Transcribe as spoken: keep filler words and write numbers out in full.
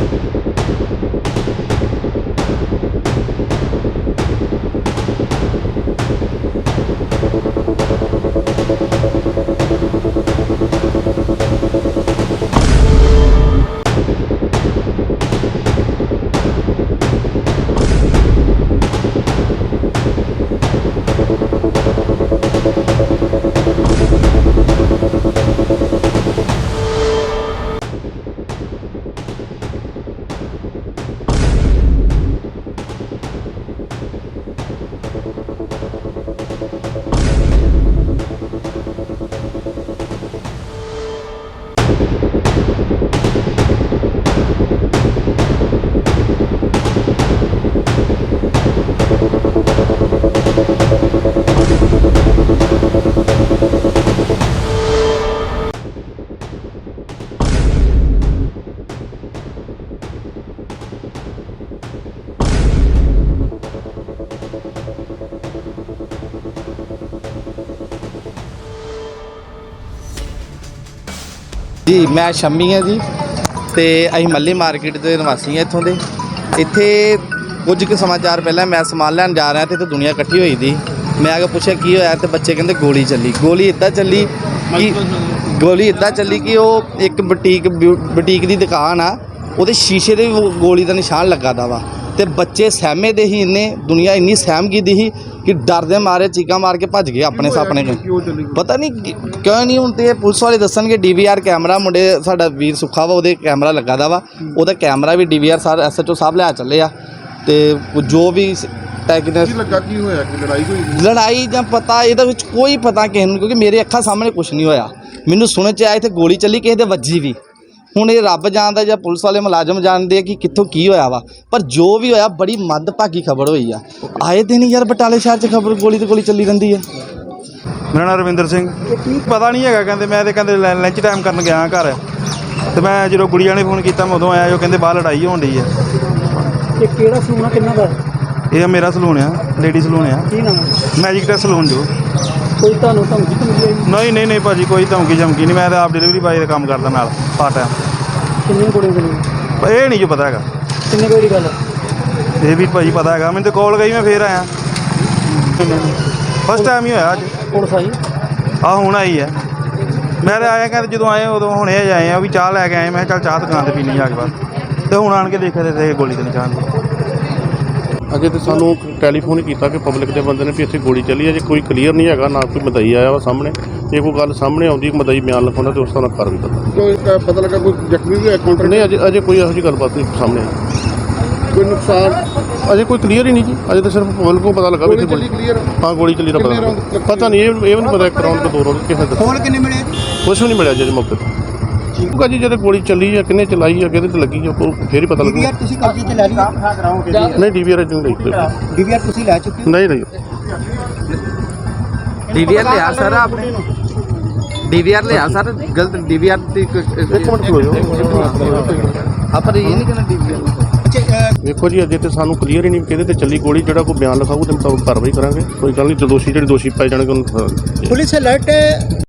जी मैं शम्मी है जी तो अं मल्ली मार्केट के निवासी हैं इतों के इतने कुछ के समाचार पहले मैं समान लैन जा रहा तो दुनिया इकट्ठी हुई थी। मैं आगे पूछा की होया तो बच्चे कहते गोली चली गोली इदा चली कि गोली इदा चली कि वो एक बुटीक बुटीक की दुकान आ वो शीशे के गोली का निशान लगा दा वा तो बच्चे सहमे दे ही इन्ने दुनिया इन्नी सहम की दी ही कि डर दे मारे चीका मार के भज गए अपने सापने पता नहीं क्यों नहीं हूँ तो पुलिस वाले दसन डी वी आर कैमरा मुंडे साडा वीर सुखा वा वो कैमरा लगा दा वा वो कैमरा भी डी वी आर सार एस एच ओ साहब लै चले आ तो जो भी लड़ाई ਜਾਂ पता ਇਹਦੇ ਵਿੱਚ कोई पता किसी ਨੂੰ क्योंकि मेरे ਅੱਖਾਂ सामने कुछ नहीं होया मैनू सुनने च आया इत्थे गोली चली किसी दे वजी भी ਹੁਣ ਇਹ ਰੱਬ ਜਾਣਦਾ ਜਾਂ ਪੁਲਿਸ ਵਾਲੇ ਮੁਲਾਜ਼ਮ ਜਾਣਦੇ ਕਿ ਕਿੱਥੋਂ ਕੀ ਹੋਇਆ ਵਾ ਪਰ ਜੋ ਵੀ ਹੋਇਆ ਬੜੀ ਮੰਦਭਾਗੀ ਖਬਰ ਹੋਈ ਆ ਆਏ ਦਿਨ ਯਾਰ ਬਟਾਲੇ ਸ਼ਹਿਰ 'ਚ ਖਬਰ ਗੋਲੀ ਤੇ ਗੋਲੀ ਚੱਲੀ ਰਹਿੰਦੀ ਹੈ। ਮੇਰਾ ਨਾਮ ਰਵਿੰਦਰ ਸਿੰਘ ਪਤਾ ਨਹੀਂ ਹੈਗਾ ਕਹਿੰਦੇ ਮੈਂ ਤੇ ਕਹਿੰਦੇ ਲੰਚ ਟਾਈਮ ਕਰਨ ਗਿਆ ਘਰ ਤੇ ਮੈਂ ਜਦੋਂ ਗੁੜੀਆਂ ਨੇ ਫੋਨ ਕੀਤਾ ਮੈਂ ਉਦੋਂ ਆਇਆ ਉਹ ਕਹਿੰਦੇ ਬਾਹਰ ਲੜਾਈ ਹੋਣ ਡਈ ਹੈ। ਇਹ ਕਿਹੜਾ ਸਲੂਨ ਆ ਕਿੰਨਾ ਦਾ? ਇਹ ਮੇਰਾ ਸਲੂਨ ਆ ਲੇਡੀ ਸਲੂਨ ਆ। ਕੀ ਨਾਮ ਮੈਜਿਕ ਟੈਸ ਸਲੂਨ ਜੋ। ਕੋਈ ਤੁਹਾਨੂੰ ਧਮਕੀ ਤਾਂ ਮਿਲੀ ਨਹੀਂ ਨਹੀਂ ਨਹੀਂ ਭਾਜੀ ਕੋਈ ਧਮਕੀ ਧਮਕੀ ਨਹੀਂ ਮੈਂ ਤਾਂ ਆਪ ਡਿਲੀਵਰੀ ਬਾਏ ਦਾ ਕੰਮ ਕਰਦਾ ਨਾਲ ਪਾਰਟ ਟਾਈਮ। ਕਿੰਨੀਆਂ ਗੋਲੀਆਂ ਚੱਲੀਆਂ ਇਹ ਨਹੀਂ ਜੋ ਪਤਾ ਹੈਗਾ ਕਿੰਨੇ ਕੋਈ ਦੀ ਗੱਲ ਇਹ ਵੀ ਭਾਜੀ ਪਤਾ ਹੈਗਾ ਮੈਨੂੰ ਤਾਂ ਕਾਲ ਗਈ ਮੈਂ ਫੇਰ ਆਇਆ ਫਸਟ ਟਾਈਮ ਹੀ ਹੋਇਆ ਅੱਜ। ਪੁਲਿਸ ਆਈ ਆ ਹੁਣ ਆਈ ਹੈ ਮੈਂ ਤਾਂ ਆਇਆ ਕਹਿੰਦੇ ਜਦੋਂ ਆਏ ਉਦੋਂ ਹੁਣੇ ਆਏ ਆ ਵੀ ਚਾਹ ਲੈ ਕੇ ਆਏ ਮੈਂ ਕਿਹਾ ਚੱਲ ਚਾਹ ਦੁਕਾਨ 'ਤੇ ਪੀਣੀ ਜਾ ਕੇ ਬਾਅਦ ਤੇ ਹੁਣ ਆਣ ਕੇ ਦੇਖਿਆ ਤੇ ਗੋਲੀ ਤੇ ਨਿਸ਼ਾਨ अजे तो सानू टैलीफोन किया कि पब्लिक के बंदे ने भी इतनी गोली चली अजे कोई क्लीयर नहीं है ना कोई मदई आया वा सामने जे कोई गल सामने आती मदई बयान लिखा तो उस तरह कर भी पता पता लगा कोई जख्मी भी है नहीं अजे अजे कोई यही गलबात नहीं सामने आई कोई नुकसान अजे कोई क्लीयर ही नहीं जी अजे तो सिर्फ पब्लिक को पता लगा भी गोली हाँ गोली चली रहा पता पता नहीं ये भी नहीं पता एक राउंड के दो राउंड किस कुछ भी नहीं मिले अजे मौके पर ठीक है जी जब गोली चली है किन्ने चलाई है कि लगी है फिर ही पता लगा नहीं डी वी आर नहीं डी वी आर लै चुके नहीं नहीं डी वी आर लिया सर आपने डी वी आर लिया सर गलत डी वी आर एक मिनट खलो जाओ पर ये नहीं कहना डी वी आर देखो जी अजे तो सानू क्लीयर ही नहीं कि चली गोली जो कोई बयान लिखाऊ तो मुताबिक कार्रवाई करेंगे कोई गल नहीं जो दोषी जो दोषी पाए जाने पुलिस अलर्ट